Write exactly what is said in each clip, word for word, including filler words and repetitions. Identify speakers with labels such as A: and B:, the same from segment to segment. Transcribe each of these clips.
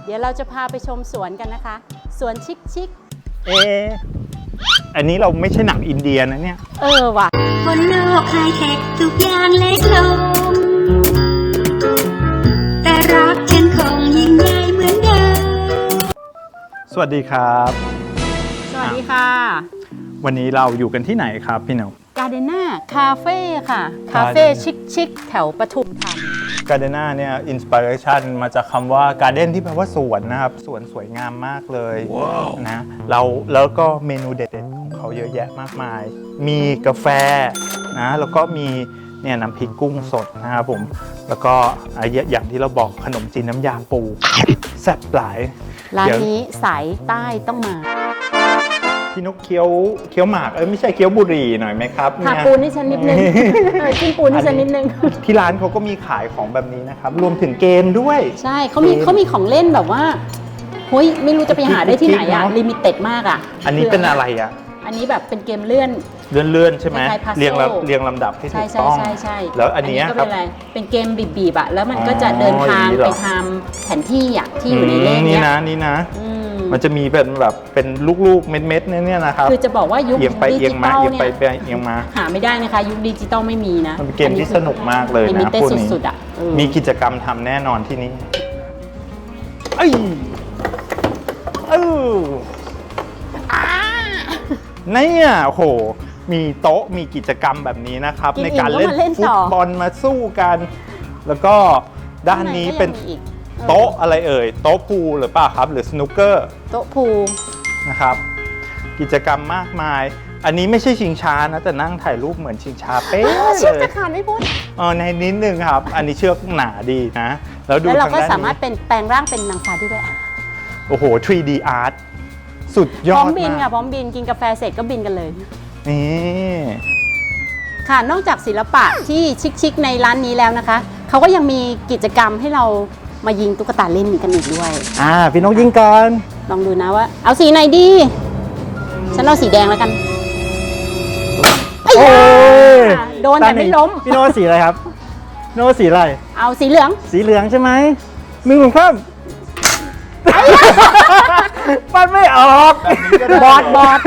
A: เดี๋ยวเราจะพาไปชมสวนกันนะคะสวนชิคชิค
B: เอออันนี้เราไม่ใช่หนังอินเดียนะเนี่ย
A: เออว่ะ
C: บนโลกไฮเทคทุกอย่างเล็กลงแต่รักฉันคงยิ่งใหญ่เหมือนเดิม
B: สวัสดีครับ
A: สวัสดีค่ะ
B: วันนี้เราอยู่กันที่ไหนครับพี่นก
A: การ์เดน่าคาเฟ่ค่ะคาเฟ่ชิคชิคแถวปทุมธานี
B: การ์เดน่าเนี่ยอินสปิเรชันมาจากคำว่าการ์เด้นที่แปลว่าสวนนะครับสวนสวยงามมากเลย wow. นะเราแล้วก็เมนูเด็ดๆของเขาเยอะแยะมากมายมีกาแฟนะแล้วก็มีเนี่ยน้ำพริกกุ้งสดนะครับผมแล้วก็อย่างที่เราบอกขนมจีนน้ำยาปูแซ่บหลาย
A: ร้านนี้สายใต้ต้องมา
B: พี่นกเคี้ยวเคี้ยวหมากเอ้ยไม่ใช่เคี้ยวบุหรี่หน่อยไหมครับ
A: ค่ะปูนี่ฉันนิดนึงจิ้มปูนี่ฉันนิดนึง
B: ที่ร้านเขาก็มีขายของแบบนี้นะครับรวมถึงเกมด้วย
A: ใช่เขามีเขามีของเล่นแบบว่าเฮ้ยไม่รู้จะไปหาได้ที่ไหนอะลิมิเต็ดมากอะ
B: อันนี้เป็นอะไรอะ
A: อันนี้แบบเป็นเกมเลื่อน
B: เลื่อนเลื่อนใช่ไหมเรียงเรียงลำดับที่ถูกต้อง
A: ใช่ใช่
B: แล้วอันนี้
A: ก็เป็นอะไรเป็นเกมบีบๆอะแล้วมันก็จะเดินทางไปทำแผนที่อะที่อยู่ในเลขนี้
B: นะนี่นะมันจะมีเป็นแบบเป็นลูกๆเม็ดๆเนี่ยนะครับ
A: คือจะบอกว่ายุคดิจิตอลเนี่ย
B: เอียงมา
A: หาไม่ได้นะคะยุคดิจิตอลไม่มีนะ
B: มันเป็นเกมที่สนุกมากเลยนะพวกนี้มีกิจกรรมทำแน่นอนที่นี่เอ้ยเออเนี่ยโอ้โหมีโต๊ะมีกิจกรรมแบบนี้นะครับในการเล่นฟุตบอลมาสู้กันแล้วก็ด้านนี้เป็นโต๊ะอะไรเอ่ยโต๊ะพูลหรือเปล่าครับหรือสนุกเกอร์
A: โต๊ะพูล
B: นะครับกิจกรรมมากมายอันนี้ไม่ใช่ชิงช้านะแต่นั่งถ่ายรูปเหมือนชิงช้าเป๊ะเลย
A: เชือกจะขาดไม่พ้น
B: อ๋อในนิดนึงครับอันนี้เชือกหนาดีนะ
A: แล้วดูเราก็สามารถเป็นแปลงร่างเป็นนางฟ้าได้ด้วย
B: โอ้โห ทรี ดี Art สุดยอด
A: พร้อมบินค่ะพร้อมบินกินกาแฟเสร็จก็บินกันเลย
B: นี่
A: ค่ะนอกจากศิลปะที่ชิคๆในร้านนี้แล้วนะคะเขาก็ยังมีกิจกรรมให้เรามายิงตุ๊กตาเล่นกันอีกด้วย
B: อ่าพี่นกยิงก่อน
A: ลองดูนะว่าเอาสีไหนดีฉันเอาสีแดงแล้วกันโอ้ยโดนแต่ไม่ล้ม
B: พี่นกสีอะไรครับพี่นกสีอะไร
A: เอาสีเหลือง
B: สีเหลืองใช่ไหมมือของข้ามมันไม่ออก
A: บอดบอด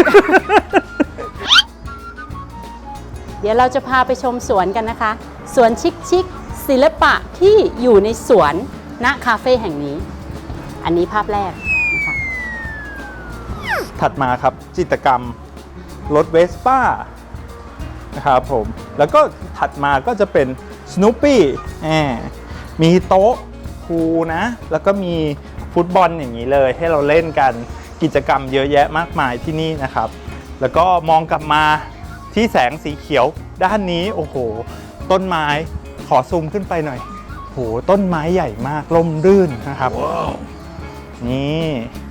A: เดี๋ยวเราจะพาไปชมสวนกันนะคะสวนชิคชิคศิลปะที่อยู่ในสวนณคาเฟ่แห่งนี้อันนี้ภาพแรกนะคะ
B: ถัดมาครับจิตรกรรมรถเวสป้านะครับผมแล้วก็ถัดมาก็จะเป็นสนูปปี้มีโต๊ะพูลนะแล้วก็มีฟุตบอลอย่างนี้เลยให้เราเล่นกันกิจกรรมเยอะแยะมากมายที่นี่นะครับแล้วก็มองกลับมาที่แสงสีเขียวด้านนี้โอ้โหต้นไม้ขอซูมขึ้นไปหน่อยโหต้นไม้ใหญ่มากร่มรื่นนะครับ wow. นี่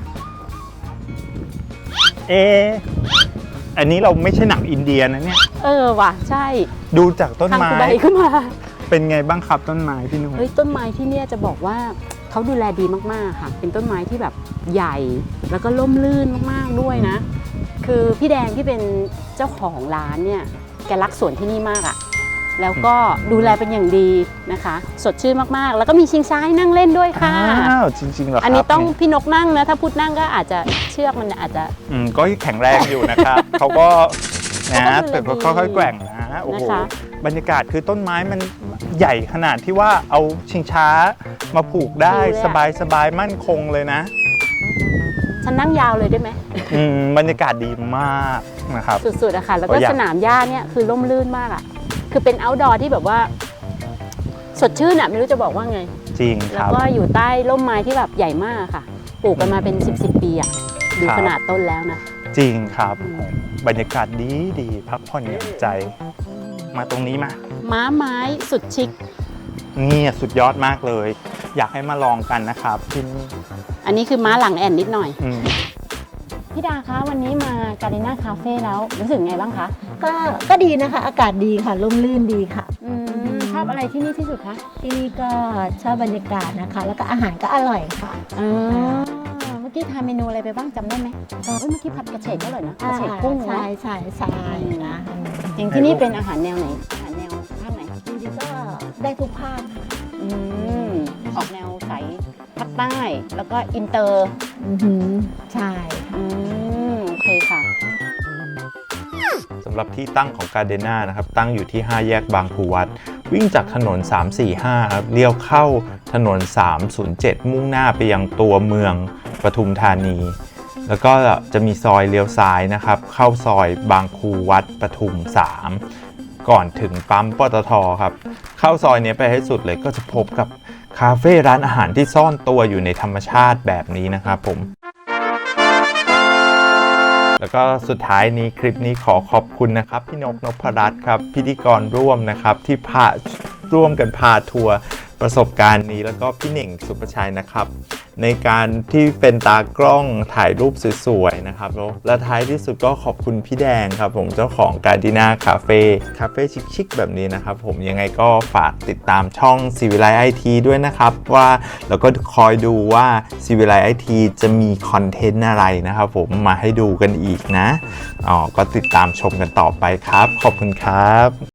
B: เออันนี้เราไม่ใช่หนังอินเดียนะเนี่ย
A: เออว่ะใช่
B: ดูจากต้นไม้
A: ใบขึ้นมา
B: เป็นไงบ้างครับต้นไม้พี่นุ่ม
A: เฮ้ยต้นไม้ที่เนี่ยจะบอกว่าเขาดูแลดีมากๆค่ะเป็นต้นไม้ที่แบบใหญ่แล้วก็ร่มรื่นมากๆด้วยนะคือพี่แดงที่เป็นเจ้าของร้านเนี่ยแกรักสวนที่นี่มากอะแล้วก็ดูแลเป็นอย่างดีนะคะสดชื่นมากๆแล้วก็มีชิงช้าให้นั่งเล่นด้วยค่ะ
B: อ้าวจริงๆเหรอครับ
A: อันนี้ต้องพี่นกนั่งนะถ้าพูดนั่งก็อาจจะเชือกมันอาจจะ
B: อืมก็แข็งแรงอยู่นะครับเขาก็นะแต่ค่อยๆแกว่งนะโอ้โหบรรยากาศคือต้นไม้มันใหญ่ขนาดที่ว่าเอาชิงช้ามาผูกได้สบายๆมั่นคงเลยนะ
A: ฉันนั่งยาวเลยได้ไหม
B: อืมบรรยากาศดีมากนะครับ
A: สุดๆอะค่ะแล้วก็สนามหญ้าเนี่ยคือร่มรื่นมากอะคือเป็น outdoor ที่แบบว่าสดชื่นอะไม่รู้จะบอกว่าไง
B: จริงครับ
A: แล้วก็อยู่ใต้ร่มไม้ที่แบบใหญ่มากค่ะปลูกกันมาเป็นสิบสิบปีอะดูขนาดต้นแล้วนะ
B: จริงครับบรรยากาศดีดีพักผ่อนหย่อนใจมาตรงนี้มา
A: ม้าไม้สุดชิค
B: นี่สุดยอดมากเลยอยากให้มาลองกันนะครับที่นี่
A: อันนี้คือม้าหลังแอนนิดหน่อยพี่ดาคะวันนี้มาการ์เดน่าคาเฟ่แล้วรู้สึกไงบ้างคะ
D: ก็ก็ดีนะคะอากาศดีค่ะร่มรื่นดีค่ะ
A: ชอบอะไรที่นี่ที่สุดคะ
D: ที่นี่ก็ชอบบรรยากาศนะคะแล้วก็อาหารก็อร่อยค่ะ
A: เมื่อกี้ทานเมนูอะไรไปบ้างจำได้ไหมเมื่อกี้ผัดกระเฉดก็อร่อยนะกระเฉดกุ้ง
D: ใช่ใช่ใช่นะ
A: อย่างที่นี่เป็นอาหารแนวไหนอาหารแนวภาคไหน
D: จริงๆก็ได้ทุกภาค
A: ออกแนวใสภาคใต้แล้วก็อินเตอร์
D: อือหือใช่
A: อืมโอเคค่ะ
B: สำหรับที่ตั้งของการเดน่านะครับตั้งอยู่ที่ห้าแยกบางครูวัดวิ่งจากถนนสามสี่ห้าครับเลี้ยวเข้าถนนสามศูนย์เจ็ดมุ่งหน้าไปยังตัวเมืองปทุมธานี แล้วก็จะมีซอยเลี้ยวซ้ายนะครับเข้าซอยบางครูวัดปทุมสามก่อนถึงปั๊มปตทครับเข้าซอยนี้ไปให้สุดเลยก็จะพบกับคาเฟ่ร้านอาหารที่ซ่อนตัวอยู่ในธรรมชาติแบบนี้นะครับผมแล้วก็สุดท้ายนี้คลิปนี้ขอขอบคุณนะครับพี่นกนพรัตน์ครับพิธีกรร่วมนะครับที่พาร่วมกันพาทัวร์ประสบการณ์นี้แล้วก็พี่เหน่งสุประชัยนะครับในการที่เป็นตากล้องถ่ายรูปสวยๆนะครับและท้ายที่สุดก็ขอบคุณพี่แดงครับผมเจ้าของการดิน่าคาเฟ่คาเฟ่ชิคๆแบบนี้นะครับผมยังไงก็ฝากติดตามช่องซีวิไลไอทีด้วยนะครับว่าแล้วก็คอยดูว่าซีวิไลไอทีจะมีคอนเทนต์อะไรนะครับผมมาให้ดูกันอีกนะอ๋อก็ติดตามชมกันต่อไปครับขอบคุณครับ